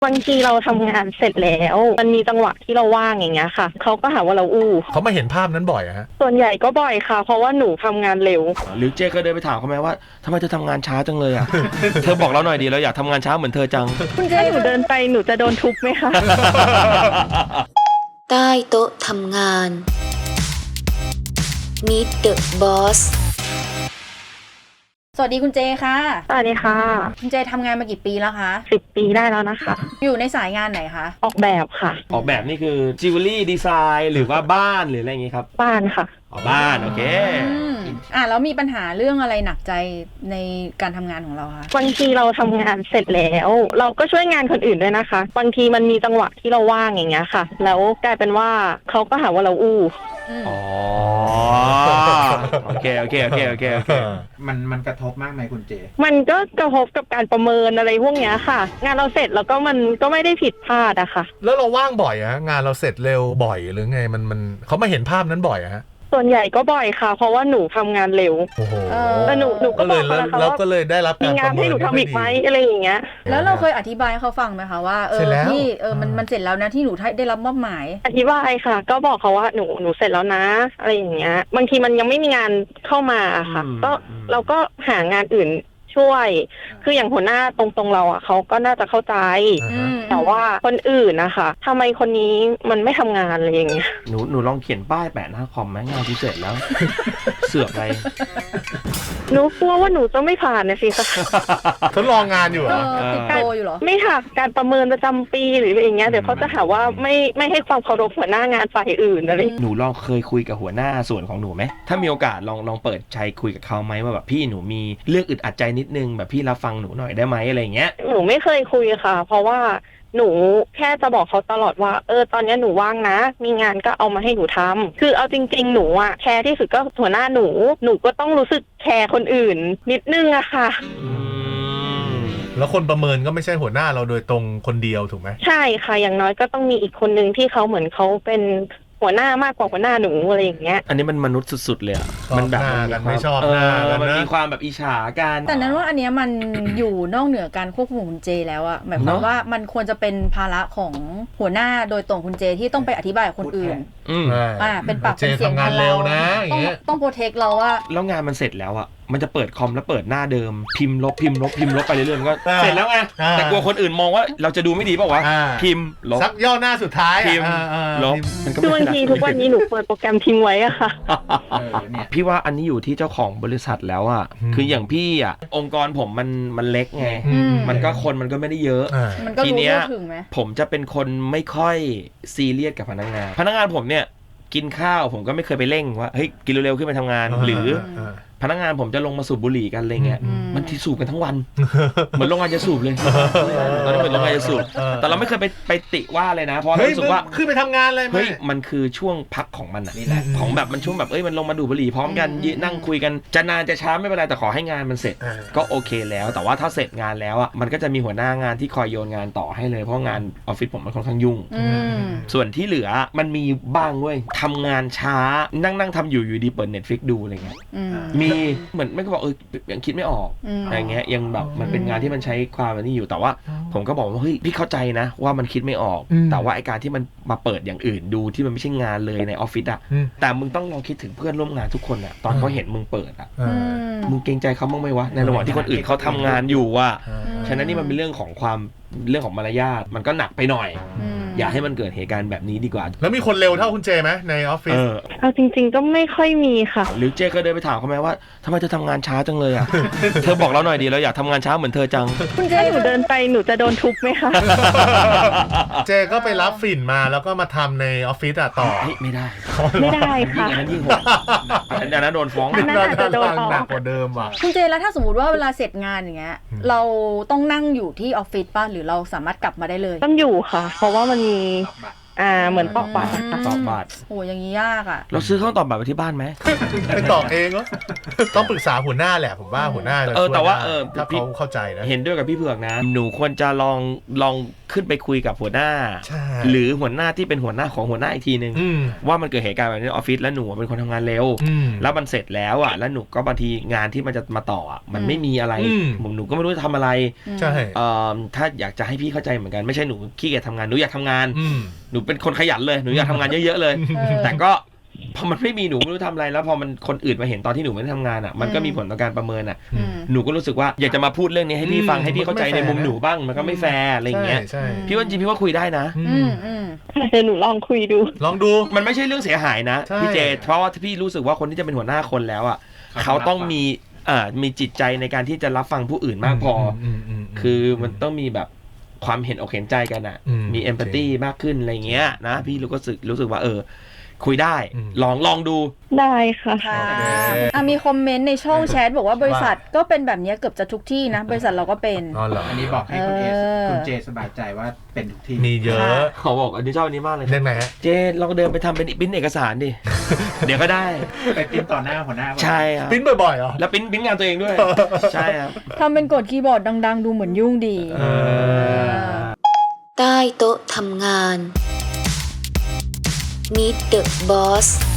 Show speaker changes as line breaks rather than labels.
บางทีเราทำงานเสร็จแล้วมันมีจังหวะที่เราว่างอย่างเงี้ยค่ะเขาก็หาว่าเราอู้
เขามาเห็นภาพนั้นบ่อยฮะ
ส่วนใหญ่ก็บ่อยค่ะเพราะว่าหนูทำงานเร็ว
หรือเจ๊ก็เดินไปถามเขาไหมว่าทำไมเธอทำงานช้าจังเลยอ่ะ เธอบอกเราหน่อยดีเราอยากทำงานช้าเหมือนเธอจัง
คุณเจ๊หนูเดินไปหนูจะโดนทุบไหมคะ
ใต้โต๊ะทำงาน Meet the Boss
สวัสดีคุณเจค่ะ
สวัสดีค่ะ
คุณเจทำงานมากี่ปีแล้วคะ
10 ปีได้แล้วนะคะ
อยู่ในสายงานไหนคะ
ออกแบบค่ะ
ออกแบบนี่คือจิวเวลรี่ดีไซน์หรือว่าบ้านหรืออะไรอย่างงี้ครับ
บ้านค่ะ
บ้านโอเค
แล้วมีปัญหาเรื่องอะไรหนักใจในการทำงานของเราคะ
บางทีเราทำงานเสร็จแล้วเราก็ช่วยงานคนอื่นด้วยนะคะบางทีมันมีจังหวะที่เราว่างอย่างเงี้ยค่ะแล้วกลายเป็นว่าเขาก็หาว่าเราอู้
อ๋อโอเค
มันกระทบมากไหมคุณเจ
มันก็กระทบกับการประเมินอะไรพวกเนี้ยค่ะงานเราเสร็จแล้วก็มันก็ไม่ได้ผิดพลาดอะค่ะ
แล้วเราว่างบ่อยอะงานเราเสร็จเร็วบ่อยหรือไงมันเขามาเห็นภาพนั้นบ่อยอะฮะ
ส่วนใหญ่ก็บ่อยค่ะเพราะว่าหนูทำงานเร็ว
โอ้โห
แล้วหนูก็บอก
แล้วก็เลยได้รับการประเมิน
มีงานให้หนูทำอีกไหมอะไรอย่างเงี้ย
แล้วเราเคยอธิบายเขาฟังไหมคะว่าที่มันเสร็จแล้วนะที่หนูได้รับมอบหมาย
อธิบายค่ะก็บอกเขาว่าหนูเสร็จแล้วนะอะไรอย่างเงี้ยบางทีมันยังไม่มีงานเข้ามาค่ะก็เราก็หางานอื่นช่วยคืออย่างหัวหน้าตรงเราอ่ะเขาก็น่าจะเข้าใจแต่ว่าคนอื่นนะคะทำไมคนนี้มันไม่ทำงานอะไรอย่างเงี้ย
หนูลองเขียนป้ายแปะหน้าคอมไหมงานที่เสร็จแล้ว เสือกอะไร
หนูกลัวว่าหนูจะไม่ผ่านนะสิค่ะ
ทดลองงานอยู่
ติดโปรอยู่เหรอ
ไม่ค่ะการประเมินประจำปีหรืออะไรอย่างเงี้ยเดี๋ยวเขาจะหาว่าไม่ให้ความเคารพหัวหน้างานฝ่ายอื่นอะไร
หนูลองเคยคุยกับหัวหน้าส่วนของหนูไหมถ้ามีโอกาสลองเปิดใจคุยกับเขาไหมว่าแบบพี่หนูมีเรื่องอึดอัดใจนิดนึงแบบพี่รับฟังหนูหน่อยได้ไหมอะไรเงี้ย
หนูไม่เคยคุยค่ะเพราะว่าหนูแค่จะบอกเขาตลอดว่าตอนนี้หนูว่างนะมีงานก็เอามาให้หนูทำคือเอาจริงๆหนูอะแคร์ที่สุดก็หัวหน้าหนูก็ต้องรู้สึกแคร์คนอื่นนิดนึงอะค่ะ
แล้วคนประเมินก็ไม่ใช่หัวหน้าเราโดยตรงคนเดียวถูกไหม
ใช่ค่ะอย่างน้อยก็ต้องมีอีกคนนึงที่เขาเหมือนเขาเป็นหัวหน้ามากกว่าหัวหน้าหนูอะไรอย่างเงี้ย
อันนี้มันมนุษย์สุดๆเลยอ่ะ
มันแบบมันไม่ชอบหน้ากัน
มัน
นะ
มีความแบบอิจฉากัน
แต่นั้นว่าอันนี้มันอยู่นอกเหนือการควบคุมของคุณเจแล้วอะหมายความว่ามันควรจะเป็นภาระของหัวหน้าโดยตรงคุณเจที่ต้องไปอธิบายกับคนอื่นเป็นปากเป็นเสียง
งานเร็วนะ
ต้องโปรเทคเราว่า
แล้วงานมันเสร็จแล้วอะมันจะเปิดคอมแล้วเปิดหน้าเดิมพิมพ์ลบไปเรื่อยๆมันก็เสร็จแล้วไงแต่กลัวคนอื่นมองว่าเราจะดูไม่ดีเปล่าวะพิมพ์ลบ
ซักย่อหน้าสุดท้าย
พิมพ์ลบ
มันก็บางทีทุกวันนี้หนูเปิดโปรแกรมทิ้งไว้อะค่ะ
พี่ว่าอันนี้อยู่ที่เจ้าของบริษัทแล้วอะคืออย่างพี่อะองค์กรผมมันเล็กไงมันก็คนมันก็ไม่ได้เยอะ
ทีเนี้ย
ผมจะเป็นคนไม่ค่อยซีเรียสกับพนักงานผมเนี่ยกินข้าวผมก็ไม่เคยไปเร่งว่าเฮ้ยกินเร็วๆขึ้นไปทำงานหรือพนักงานผมจะลงมาสูบบุหรี่กันอะไรเงี้ยมันที่สูบกันทั้งวันเหมือนโรงงานจะสูบเลยตอนนั้นเหมือนโรงงานจะสูบแต่เราไม่เคยไปติว่าเลยนะเพราะรู้สึกว่า
ขึ้นไปทำงานเลย
เฮ้ยมันคือช่วงพักของมันนี่แหละของแบบมันช่วงแบบมันลงมาดูบุหรี่พร้อมกันนั่งคุยกันจะนานจะช้าไม่เป็นไรแต่ขอให้งานมันเสร็จก็โอเคแล้วแต่ว่าถ้าเสร็จงานแล้วอ่ะมันก็จะมีหัวหน้างานที่คอยโยนงานต่อให้เลยเพราะงานออฟฟิศผมมันค่อนข้างยุ่งส่วนที่เหลือมันมีบ้างเว้ยทำงานช้านั่งทำอยู่ดีเปิด Netflix ดูอะไรเงี้ยมีเหมือนไม่ก็บอกยังคิดไม่ออกอะไรเงี้ยยังแบบมันเป็นงานที่มันใช้ความนี่อยู่แต่ว่าผมก็บอกว่าเฮ้ยพี่เข้าใจนะว่ามันคิดไม่ออกแต่ว่าไอการที่มันมาเปิดอย่างอื่นดูที่มันไม่ใช่งานเลยในออฟฟิศอ่ะแต่มึงต้องลองคิดถึงเพื่อนร่วมงานทุกคนอ่ะตอนเขาเห็นมึงเปิดอ่ะมึงเกรงใจเขาบ้างไหมวะในระหว่างที่คนอื่นเขาทำงานอยู่ว่ะฉะนั้นนี่มันเป็นเรื่องของมารยาทมันก็หนักไปหน่อยอย่าให้มันเกิดเหตุการณ์แบบนี้ดีกว่า
แล้วมีคนเร็วเท่าคุณเจไหมในออฟฟิศ
เอาจริงๆก็ไม่ค่อยมีค่ะ
หรือเจก็เดินไปถามเขาไหมว่าทำไมเธอทำงานช้าจังเลยอ่ะ เธอบอกเราหน่อยดีเราอยากทำงานช้าเหมือนเธอจัง
คุณเจหนูเดินไปหนูจะโดนทุบไหมคะ
เจก็ไปรับฝิ่นมาแล้วก็มาทำในออฟฟิศต่อ
ไม่ได้
ค่ะ
อันนั้นยิ่งโหดอันนั้นโดนฟ้อง
น่าจะโดน
หนักกว่าเดิมว่ะ
คุณเจแล้วถ้าสมมติว่าเวลาเสร็จงานอย่างเงี้ยเราต้องนั่งอยู่ที่ออฟฟิศป่ะหรือเราสามารถกลับมาได้เลย
ต้องอยู่ค่ะเพราะว่ามันมีเหมือนตอกบัตร
โอ้อย่างนี้ยากอ่ะ
เราซื้อเครื่องตอกบัตรไปที่บ้านไหม
ไปตอกเองเหรอต้องปรึกษาหัวหน้าแหละผมว่าหัวหน้าจะช่วย
แต่ว่า
ถ้าเขาเข้าใจนะ
เห็นด้วยกับพี่เผือกนะหนูควรจะลองขึ้นไปคุยกับหัวหน้าหรือหัวหน้าที่เป็นหัวหน้าของหัวหน้าอีกทีนึงว่ามันเกิดเหตุการณ์แบบนี้ในออฟฟิศแล้วหนูเป็นคนทำงานเร็วแล้วมันเสร็จแล้วอ่ะแล้วหนูก็บางทีงานที่มันจะมาต่ออ่ะมันไม่มีอะไรหนูก็ไม่รู้จะทำอะไร
ใช่
ถ้าอยากจะให้พี่เข้าใจเหมือนกันไม่ใช่หนูขี้เกียจทำงานหนูอยากทำงานหนูเป็นคนขยันเลยหนูอยากทำงานเยอะๆเลยแต่ก็พอมันไม่มีหนูไม่รู้ทำอะไรแล้วพอมันคนอื่นมาเห็นตอนที่หนูไม่ได้ทำงานอ่ะมันก็มีผลต่อการประเมินอ่ะหนูก็รู้สึกว่าอยากจะมาพูดเรื่องนี้ให้พี่ฟังให้พี่เข้าใจในมุมหนูบ้างมันก็ไม่แฟร์อะไรอย่างเงี้ยพี่ว่าจริงพี่ว่าคุยได้นะ
เดี๋ยวหนูลองคุยดู
มันไม่ใช่เรื่องเสียหายนะพี่เจเพราะว่าพี่รู้สึกว่าคนที่จะเป็นหัวหน้าคนแล้วอ่ะเขาต้องมีจิตใจในการที่จะรับฟังผู้อื่นมากพอคือมันต้องมีแบบความเห็นอกเห็นใจกันอ่ะมีเอมพัตตีมากขึ้นอะไรเงี้ยนะพี่รู้สึกว่าคุยได้ลองดู
ได้ค่ะ
มีคอมเมนต์ในช่องแชทบอกว่าบริษัทก็เป็นแบบนี้เกือบจะทุกที่นะบริษัทเราก็เป็น
อันนี้บอกให้คุณเจสบายใจว่าเป็นทุกที่
มีเยอะ
เขาบอกอันนี้ชอบอันนี้มากเลย
เรื่องไหนฮะ
เจลองเดินไปทำเป็นปริ้นเอกสารดิ เดี๋ยวก็ได้
ไปปริ้นต่อหน้าหัวหน้า
ใช่ครับ
ปริ้นบ่อยๆเหรอ
แล้วปริ้นงานตัวเองด้วยใช่ครับ
ทำเป็นกดคีย์บอร์ดดังๆดูเหมือนยุ่งดี
ใต้โต๊ะทำงานMeet the Boss